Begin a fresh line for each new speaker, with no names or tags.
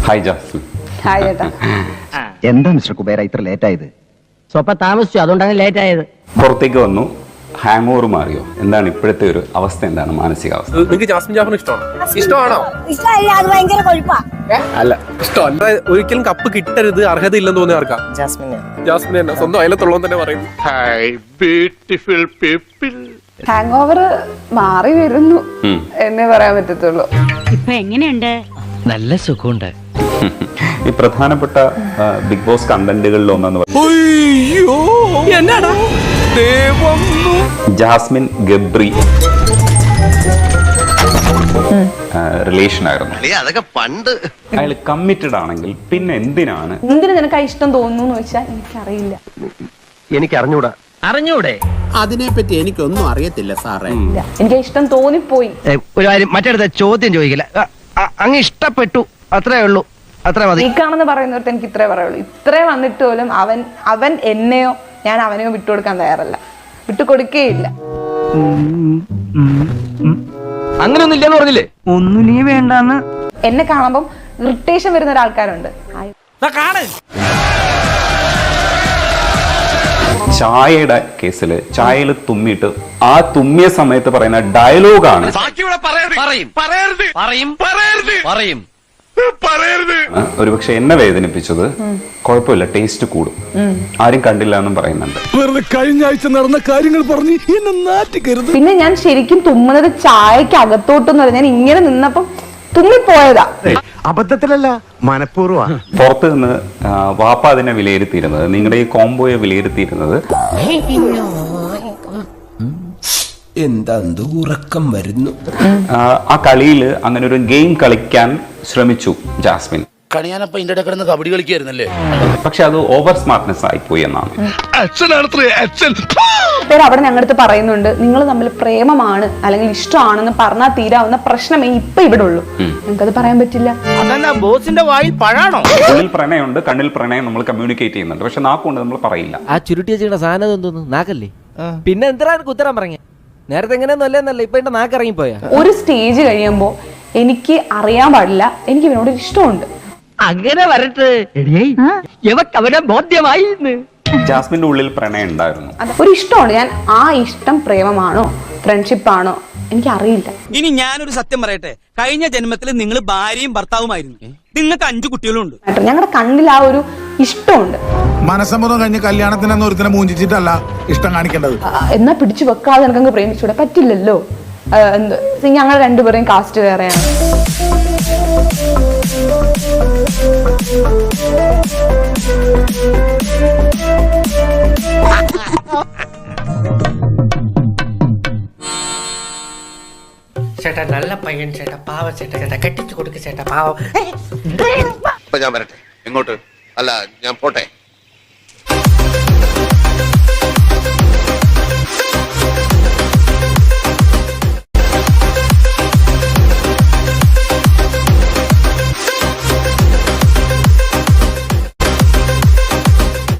Hi Jasmine.
Hi ചേട്ടാ.
എന്താ mister Kubera ഇത്ര ലേറ്റ് ആയത്?
സ്വപ്പം താമസിച്ചു, അതുകൊണ്ടാണ് ലേറ്റ് ആയത്.
പുറത്തേക്ക് വന്നു, ഹാങ് ഓവർ മാറിയോ? എന്താണ് ഇപ്പോഴത്തെ ഒരു അവസ്ഥ? എന്താണ് മാനസികാവസ്ഥ?
നിങ്ങൾക്ക് ജാസ്മിൻ ജാഫറിനെ ഇഷ്ടമാണോ?
അല്ല,
ഇഷ്ടമല്ല. ഒരിക്കലും കപ്പ് കിട്ടരുത്, അർഹത ഇല്ലെന്ന് തോന്നിയ ആർക്കാ? ജാസ്മിൻ തന്നെ. സ്വന്തം അയലത്തുള്ളവൻ തന്നെ പറയും.
ഹാങ് ഓവർ മാറി വരുന്നു എന്നേ പറയാൻ പറ്റത്തുള്ളൂ.
ഇപ്പൊ എങ്ങനെയുണ്ട്?
നല്ല സുഖമുണ്ട്.
ഈ പ്രധാനപ്പെട്ട ബിഗ് ബോസ് കണ്ടന്റുകളിൽ ഒന്നെന്ന് ജാസ്മിൻ ഗബ്രി റിലേഷൻ ആയിരുന്നു.
അതൊക്കെ പണ്ട്.
അയാൾ കമ്മിറ്റഡ് ആണെങ്കിൽ പിന്നെ എന്തിനാണ്
നിനക്ക് ആ ഇഷ്ടം തോന്നുന്നു വെച്ചാൽ എനിക്കറിയില്ല.
എനിക്ക്
അറിഞ്ഞൂടെ?
അതിനെപ്പറ്റി എനിക്കൊന്നും അറിയത്തില്ല സാറേ.
എനിക്ക് ഇഷ്ടം തോന്നിപ്പോയി.
ഒരു കാര്യം മറ്റടുത്ത ചോദ്യം ചോദിക്കില്ല. അങ്ങ് ഇഷ്ടപ്പെട്ടു, അത്രേ ഉള്ളൂ, അത്ര മതി.
നീക്കാണെന്ന് പറയുന്നവർക്ക് എനിക്ക് ഇത്രേ പറയുള്ളൂ. ഇത്രേ വന്നിട്ട് പോലും അവൻ എന്നെയോ ഞാൻ അവനെയോ വിട്ടുകൊടുക്കാൻ തയ്യാറല്ല, വിട്ടുകൊടുക്കേയില്ല.
അങ്ങനെയൊന്നും ഇല്ലെന്ന് പറഞ്ഞില്ലേ? ഒന്നും നീ വേണ്ടാന്ന്.
എന്നെ കാണുമ്പം ഇറിറ്റേഷൻ വരുന്ന ഒരാൾക്കാരുണ്ട്.
ചായയുടെ കേസില് ചായയിൽ തുമ്മിയിട്ട് ആ തുമ്മിയ സമയത്ത് പറയുന്ന ഡയലോഗാണ് ഒരുപക്ഷെ എന്നെ വേദനിപ്പിച്ചത്. കുഴപ്പമില്ല, ടേസ്റ്റ് കൂടും, ആരും കണ്ടില്ല എന്നും പറയുന്നുണ്ട്.
കഴിഞ്ഞ ആഴ്ച നടന്ന കാര്യങ്ങൾ പറഞ്ഞ് എന്നെ നാറ്റിക്കരുത്.
പിന്നെ ഞാൻ ശരിക്കും തുമ്മുന്നത് ചായക്ക് അകത്തോട്ടെന്ന് പറഞ്ഞാൽ ഞാൻ ഇങ്ങനെ നിന്നപ്പം തുമ്മിപ്പോയതാ.
അബദ്ധത്തിലല്ല, മനഃപൂർവ്വ.
പുറത്ത് നിന്ന് വാപ്പ അതിനെ വിലയിരുത്തിയിരുന്നത്, നിങ്ങളുടെ ഈ കോംബോയെ വിലയിരുത്തിയിരുന്നത്
എന്താ ഉറക്കം വരുന്നു.
ആ കളിയിൽ അങ്ങനെ ഒരു ഗെയിം കളിക്കാൻ ശ്രമിച്ചു ജാസ്മിൻ.
കണിയാനപ്പ ഇതിന്റെ ഇടയിൽ കിടന്ന് കബഡി കളിക്കായിരുന്നല്ലേ?
പക്ഷെ അത് ഓവർ സ്മാർട്ട്നെസ് ആയിപ്പോയി എന്നാണ്.
പേര് അവിടെ ഞങ്ങളടുത്ത് പറയുന്നുണ്ട്, നിങ്ങൾ തമ്മിൽ പ്രേമമാണ് അല്ലെങ്കിൽ ഇഷ്ടമാണെന്ന് പറഞ്ഞാൽ തീരാവുന്ന പ്രശ്നമേ ഇപ്പൊ ഇവിടെ ഉള്ളൂ. ഞങ്ങൾക്കത് പറയാൻ പറ്റില്ല.
ബോസിന്റെ വായിൽ പഴാണോ?
ഉള്ളിൽ പ്രണയമുണ്ട്, കണ്ണിൽ പ്രണയം നമ്മൾ കമ്മ്യൂണിക്കേറ്റ് ചെയ്യുന്നുണ്ട്, പക്ഷെ നാക്കുകൊണ്ട് നമ്മൾ പറയില്ല.
ആ ചുരുട്ടി വെച്ചിട്ട് സാധനം എന്തോന്നു? നാക്കല്ലേ? പിന്നെ എന്തിനാ ഉത്തരം പറഞ്ഞ? നേരത്തെ എങ്ങനെയൊന്നും അല്ലേന്നല്ല, ഇപ്പൊ എന്റെ നാക്ക് ഇറങ്ങിപ്പോയാ.
ഒരു സ്റ്റേജ് കഴിയുമ്പോ എനിക്ക് അറിയാൻ പാടില്ല, എനിക്ക് ഇവനോട് ഇഷ്ടമുണ്ട്.
അങ്ങനെ വരട്ടെ, അവനെ ബോധ്യമായി.
ജാസ്മിന്റെ ഉള്ളിൽ പ്രണയം ഉണ്ടായിരുന്നു,
ഒരു ഇഷ്ടമുണ്ട്. ഞാൻ ആ ഇഷ്ടം പ്രേമമാണോ ഫ്രണ്ട്ഷിപ്പാണോ എനിക്കറിയില്ല.
ഇനി ഞാനൊരു സത്യം പറയട്ടെ, കഴിഞ്ഞ ജന്മത്തിൽ നിങ്ങൾ ഭാര്യയും ഭർത്താവുമായിരുന്നു, നിങ്ങൾക്ക് 5 കുട്ടികളുണ്ട്.
ഞങ്ങളുടെ കണ്ണിൽ ആ ഒരു ഇഷ്ടമുണ്ട്.
മനസ്സമ്മതം കഴിഞ്ഞ് കല്യാണത്തിനെന്ന് ഒരുത്തിനെ മൂഞ്ചിച്ചിട്ടല്ല ഇഷ്ടം കാണിക്കേണ്ടത്.
എന്നാ പിടിച്ചു വെക്കാതെ എനിക്കങ്ങ് പ്രേമിച്ചൂടെ? പറ്റില്ലല്ലോ. ഞങ്ങൾ രണ്ടുപേരെയും കാസ്റ്റ് വേറെയാണ്.
ചേട്ടാ നല്ല പയ്യൻ ചേട്ടാ, പാവ ചേട്ടാ, ചേട്ടാ കെട്ടിച്ചു കൊടുക്ക ചേട്ടാ, പാവം.
ഞാൻ വരട്ടെ. എങ്ങോട്ട്? അല്ല, ഞാൻ പോട്ടെ.